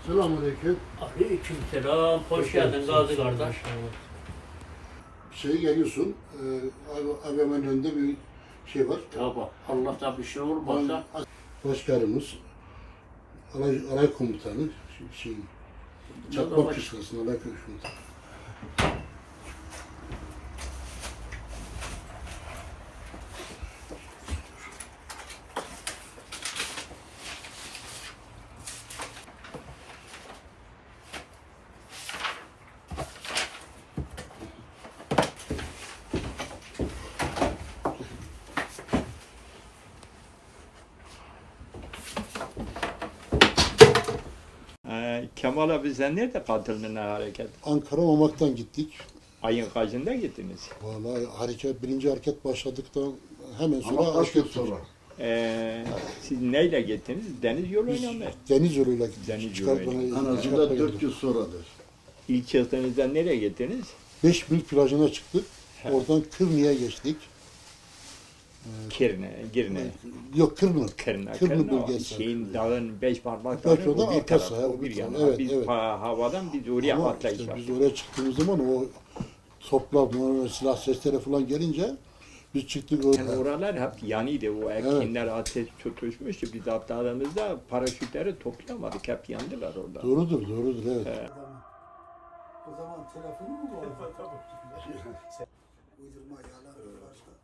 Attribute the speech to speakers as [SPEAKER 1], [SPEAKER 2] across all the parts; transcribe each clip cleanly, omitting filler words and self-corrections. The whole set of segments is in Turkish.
[SPEAKER 1] Selamünaleyküm.
[SPEAKER 2] Aleykümselam. Hoş geldin Gazi kardeş.
[SPEAKER 1] Geliyorsun, AVM'nin önünde bir şey var.
[SPEAKER 2] Tabi. Allah'tan bir şey olmazsa.
[SPEAKER 1] Başkanımız, alay komutanı, Çakmak Kışlası'nın alay komutanı.
[SPEAKER 3] Kemal abi sen nerede katıldın hareket?
[SPEAKER 1] Ankara Mamak'tan gittik.
[SPEAKER 3] Ayın kaçında gittiniz?
[SPEAKER 1] Vallahi birinci hareket başladıktan hemen sonra
[SPEAKER 4] Ama kaç gün
[SPEAKER 1] hareket
[SPEAKER 4] sonra?
[SPEAKER 3] Siz neyle gittiniz? Deniz yoluyla mı?
[SPEAKER 1] Deniz yoluyla gittik.
[SPEAKER 3] Deniz
[SPEAKER 1] Çıkartmaya-
[SPEAKER 3] yoluyla.
[SPEAKER 4] En
[SPEAKER 1] çıkartmaya
[SPEAKER 4] azından 4
[SPEAKER 1] gittik.
[SPEAKER 4] gün sonradır.
[SPEAKER 3] İlk çıktığınızda nereye gittiniz?
[SPEAKER 1] 5 mil plajına çıktık. Oradan Kırnı'ya geçtik.
[SPEAKER 3] Girne.
[SPEAKER 1] Yok Kırnı.
[SPEAKER 3] Kırna.
[SPEAKER 1] Kırnı bölgesi.
[SPEAKER 3] Şeyin dağın beş
[SPEAKER 1] Beş
[SPEAKER 3] parmakları
[SPEAKER 1] oradan
[SPEAKER 3] o bir
[SPEAKER 1] arkası,
[SPEAKER 3] taraf,
[SPEAKER 1] ha,
[SPEAKER 3] o bir yana.
[SPEAKER 1] evet,
[SPEAKER 3] Biz
[SPEAKER 1] evet.
[SPEAKER 3] havadan biz oraya
[SPEAKER 1] Ama
[SPEAKER 3] atlayış
[SPEAKER 1] işte biz
[SPEAKER 3] yaptık.
[SPEAKER 1] oraya çıktığımız zaman o toplar, silah sesleri falan gelince biz çıktık oraya.
[SPEAKER 3] Yani oralar hep yanıydı. O ekinler ateş tutuşmuştu. Biz atladığımızda paraşütleri toplayamadık. Hep yandılar orada.
[SPEAKER 1] Doğrudur, evet.
[SPEAKER 5] O zaman telefonu mu bu? Uydurma yalan başka.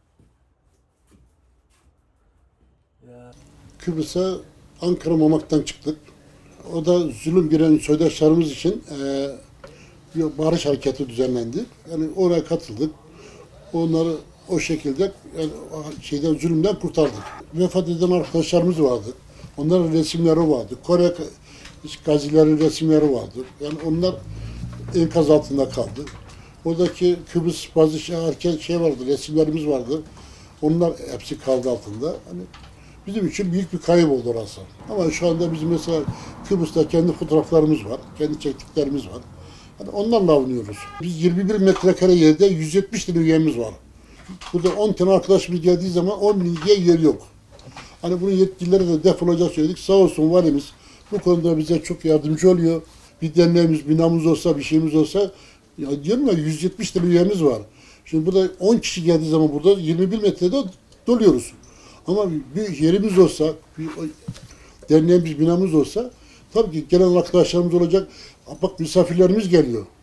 [SPEAKER 1] Kıbrıs'a Ankara Mamak'tan çıktık. O da zulüm giren soydaşlarımız için bir barış hareketi düzenlendi. Yani oraya katıldık. Onları o şekilde yani zulümden kurtardık. Vefat eden arkadaşlarımız vardı. Onların resimleri vardı. Kore gazilerin resimleri vardı. Yani onlar enkaz altında kaldı. Oradaki Kıbrıs bazı vardı, resimlerimiz vardı. Onlar hepsi kaldı altında. Hani bizim için büyük bir kayıp oldu orası. Ama şu anda bizim mesela Kıbrıs'ta kendi fotoğraflarımız var, kendi çektiklerimiz var. Yani onlarla avunuyoruz. Biz 21 metrekare yerde 170 tane üyemiz var. Burada 10 tane arkadaşımız geldiği zaman 10 bin üye yer yok. Hani bunun yetkililere de defolacak söyledik. Sağ olsun valimiz bu konuda bize çok yardımcı oluyor. Bir derneğimiz, binamız olsa, bir şeyimiz olsa, ya diyorum ya 170 tane üyemiz var. Şimdi burada 10 kişi geldiği zaman burada 21 metrede doluyoruz. Ama bir yerimiz olsa, bir derneğimiz, binamız olsa tabii ki gelen arkadaşlarımız olacak. Bak misafirlerimiz geliyor.